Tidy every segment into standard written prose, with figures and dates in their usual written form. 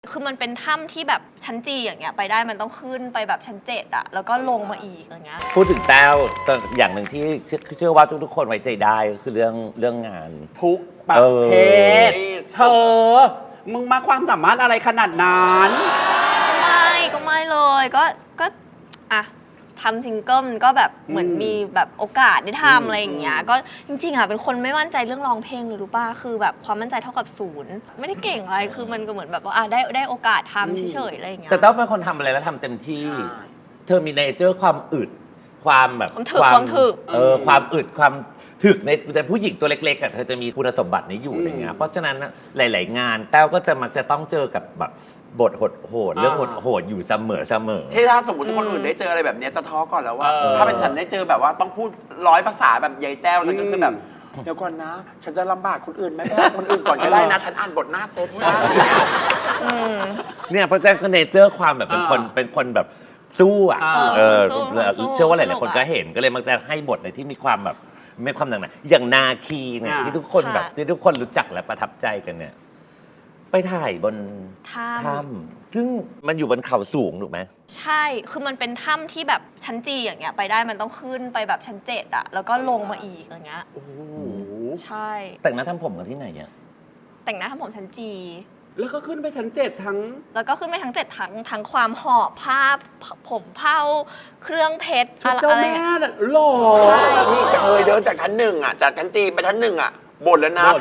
คือมันเป็นถ้ำที่แบบชั้นจีอย่างเงี้ยไปได้มันต้องขึ้นไปแบบชั้น7อะแล้วก็ลงมาอีกอย่างเงี้ยพูดถึงแต้วแต่อย่างหนึ่งที่เชื่อว่าทุกๆคนไว้ใจได้ก็คือเรื่องงานทุกประเภทเธอมึงมาความสามารถอะไรขนาดนั้นก็ไม่เลยก็อะทำซิงเกิลมันก็แบบเหมือนมีแบบโอกาสได้ทำอะไรอย่างเงี้ยก็จริงๆอะเป็นคนไม่มั่นใจเรื่องร้องเพลงเลยรู้ป่ะคือแบบความมั่นใจเท่ากับ0ไม่ได้เก่งอะไรคือมันก็เหมือนแบบว่าได้โอกาสทำเฉยๆอะไรอย่างเงี้ยแต่แต้วเป็นคนทำอะไรแล้วทำเต็มที่เธอมีเนเจอร์ความอึดความแบบความถึกความอึดความถึกในผู้หญิงตัวเล็กๆอ่ะเธอจะมีคุณสมบัตินี้อยู่อะไรเงี้ยเพราะฉะนั้นหลายๆงานแต้วก็จะมักจะต้องเจอกับแบบบทโหดเรื่องโหดอยู่เสมอที่ถ้าสมมติคนอื่นได้เจออะไรแบบนี้จะท้อก่อนแล้วว่าถ้าเป็นฉันได้เจอแบบว่าต้องพูด100 ภาษาแบบยายแต้วฉันก็คือแบบเดี๋ยวก่อนนะ ฉันจะลำบากคนอื่นไหมไม่คนอื่นก่อนก็ได้นะ ฉันอ่านบทหน้าเซตจ้าเนี่ยเพราะฉะนั้นก็เนเจอร์ความแบบเป็นคนแบบสู้อ่ะเชื่อว่าหลายๆคนก็เห็นก็เลยมักจะให้บทในที่มีความแบบไม่ความหนักหนาอย่างนาคีเนี่ยที่ทุกคนแบบที่ทุกคนรู้จักและประทับใจกันเนี่ยไปถ่ายบนถ้ำซึ่งมันอยู่บนเขาสูงถูกไหมใช่คือมันเป็นถ้ำที่แบบชั้นจีอย่างเงี้ยไปได้มันต้องขึ้นไปแบบชั้น7อะแล้วก็ลงมาอีกอย่างเงี้ยใช่แต่งหน้าทำผมกันที่ไหนอ่ะแต่งหน้าทำผมชั้นจีแล้วก็ขึ้นไปชั้น7ทั้งแล้วก็ขึ้นไปทั้ง7ทั้งความหอบผ้าผมเผ้าเครื่องเพชรเจ้าแม่หล่อนี่เคยเดินจากชั้น1อะจากชั้นจีไปชั้น1อะบ่นแล้วนะ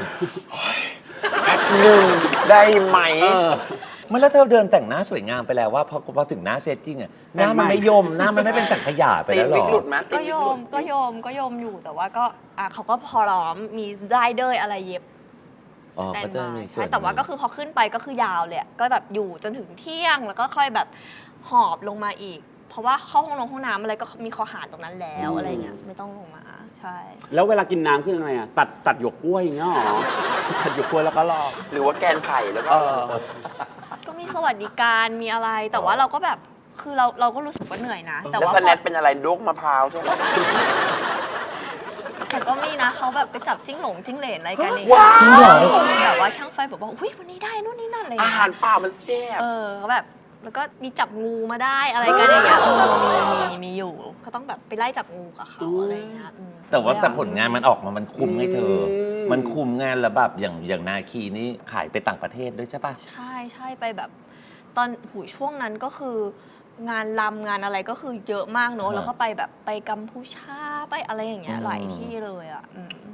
1ได้ไหมเมื่อแล้วเธอเดินแต่งหน้าสวยงามไปแล้วว่าพอถึงหน้าเซตจริงอ่ะหน้ามันไม่ยมหน้ามันไม่เป็นสังขยาไปแล้วหรอก็โยมอยู่แต่ว่าก็เขาก็พอร้อมมีได้เดยอะไรเย็บสแตนบายใช่แต่ว่าก็คือพอขึ้นไปก็คือยาวเลยก็แบบอยู่จนถึงเที่ยงแล้วก็ค่อยแบบหอบลงมาอีกเพราะว่าเข้าห้องน้ำอะไรก็มีคอหารตรงนั้นแล้วอะไรเงี้ยไม่ต้องลงมาใช่แล้วเวลากินน้ำคือยังไงอ่ะตัดหยวกกล้วยอย่างเงี้ยหรอตัดหยวกกล้วยแล้วก็รอหรือว่าแกนไผ่แล้วก็ก็มีสวัสดิการมีอะไรแต่ว่าเราก็แบบคือเราก็รู้สึกว่าเหนื่อยนะแต่ว่าสแนทเป็นอะไรลูกมะพร้าวใช่ไหมแต่ก็มีนะเขาแบบไปจับจิ้งเหลนอะไรกันเองแบบว่าช่างไฟบอกว่าอุ้ยวันนี้ได้นู่นนี่นั่นอะไรอาหารป่ามันแซ่บแบบแล้วก็มีจับงูมาได้อะไรกันอย่างเงี้ยมีอยู่ก็ต้องแบบไปไล่จับงูกับเขาอะไรเงี้ยแต่ผลงานมันออกมามันคุ้มไงเธอมันคุ้มงานแล้วแบบอย่างนาคีนี่ขายไปต่างประเทศด้วยใช่ปะใช่ไปแบบตอนช่วงนั้นก็คืองานรำงานอะไรก็คือเยอะมากเนอะแล้วก็ไปแบบไปกัมพูชาไปอะไรอย่างเงี้ยหลายที่เลยอ่ะ